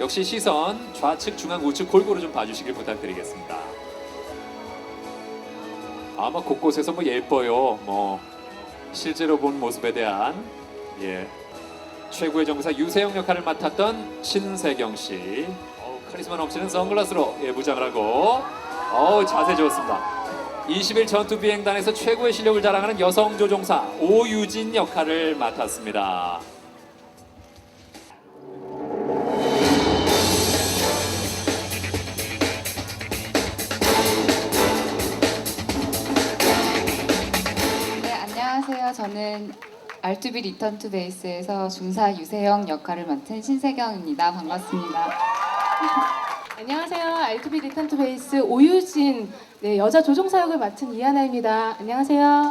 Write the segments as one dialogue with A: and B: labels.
A: 역시 시선 좌측, 중앙, 우측 골고루 좀 봐주시길 부탁드리겠습니다. 아마 곳곳에서 뭐 예뻐요. 뭐 실제로 본 모습에 대한 최고의 정사 유세영 역할을 맡았던 신세경 씨. 카리스마 넘치는 선글라스로 무장을 하고 자세 좋습니다. 20일 전투 비행단에서 최고의 실력을 자랑하는 여성 조종사 오유진 역할을 맡았습니다.
B: 네, 안녕하세요. 저는 R2B 리턴 투 베이스에서 중사 유세영 역할을 맡은 신세경입니다. 반갑습니다.
C: 안녕하세요. R2B 리턴 투 베이스 오유진 여자 조종사 역을 맡은 이하나입니다. 안녕하세요.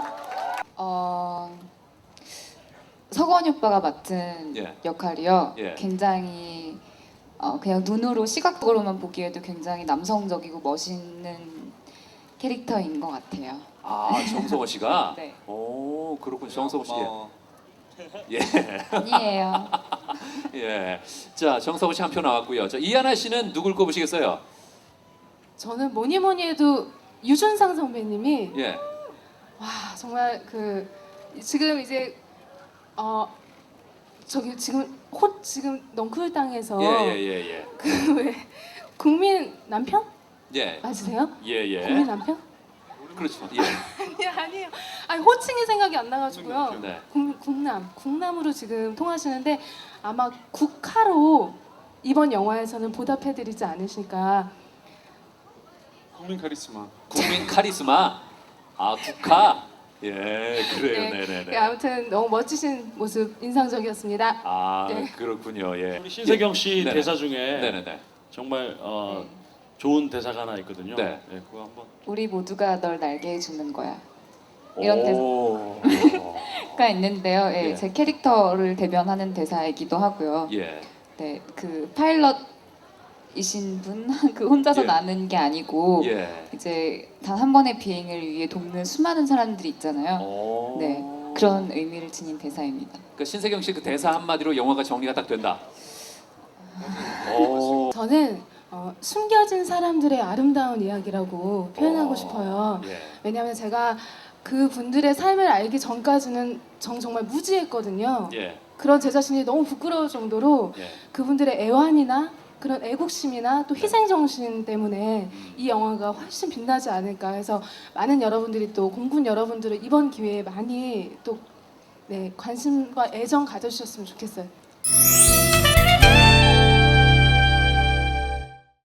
B: 서건이 오빠가 맡은 역할이요. 굉장히 그냥 눈으로 시각적으로만 보기에도 굉장히 남성적이고 멋있는 캐릭터인 것 같아요.
A: 정성호 씨가?
B: 네.
A: 오, 그렇군. 정성호 씨.
B: 아니에요.
A: 자, 정성호 씨 한 표 나왔고요. 자, 이하나 씨는 누굴 꼽으시겠어요?
C: 저는 뭐니 해도 유준상 선배님이 와 정말 지금 이제 저기 지금 넝쿨 땅에서 그 왜 국민 남편? 맞으세요? 국민 남편?
A: 그렇죠.
C: 아니에요. 아니 호칭이 생각이 안 나가지고요.
A: 네.
C: 국남으로 지금 통하시는데 아마 국카로 이번 영화에서는 보답해드리지 않으실까.
D: 국민 카리스마.
A: 국민 카리스마. 국카. 그래요. 네네네.
C: 아무튼 너무 멋지신 모습 인상적이었습니다.
A: 그렇군요.
D: 우리 신세경 씨
A: 네네.
D: 대사 중에
A: 네네네.
D: 정말 좋은 대사가 하나 있거든요.
A: 네.
D: 그거 한번.
B: 우리 모두가 널 날게 해주는 거야.
A: 오.
B: 이런 대사가 있는데요. 제 캐릭터를 대변하는 대사이기도 하고요. 네, 그 파일럿이신 분 그 혼자서 나는 게 아니고 이제 단 한 번의 비행을 위해 돕는 수많은 사람들이 있잖아요. 네, 그런 의미를 지닌 대사입니다.
A: 그러니까 신세경 씨 그 대사 한마디로 영화가 정리가 딱 된다.
C: 저는 숨겨진 사람들의 아름다운 이야기라고 표현하고 싶어요. 왜냐하면 제가 그 분들의 삶을 알기 전까지는 정말 무지했거든요. 그런 제 자신이 너무 부끄러울 정도로 그분들의 애환이나 그런 애국심이나 또 희생정신 때문에 이 영화가 훨씬 빛나지 않을까 해서 많은 여러분들이 또 공군 여러분들을 이번 기회에 많이 또 관심과 애정 가져주셨으면 좋겠어요.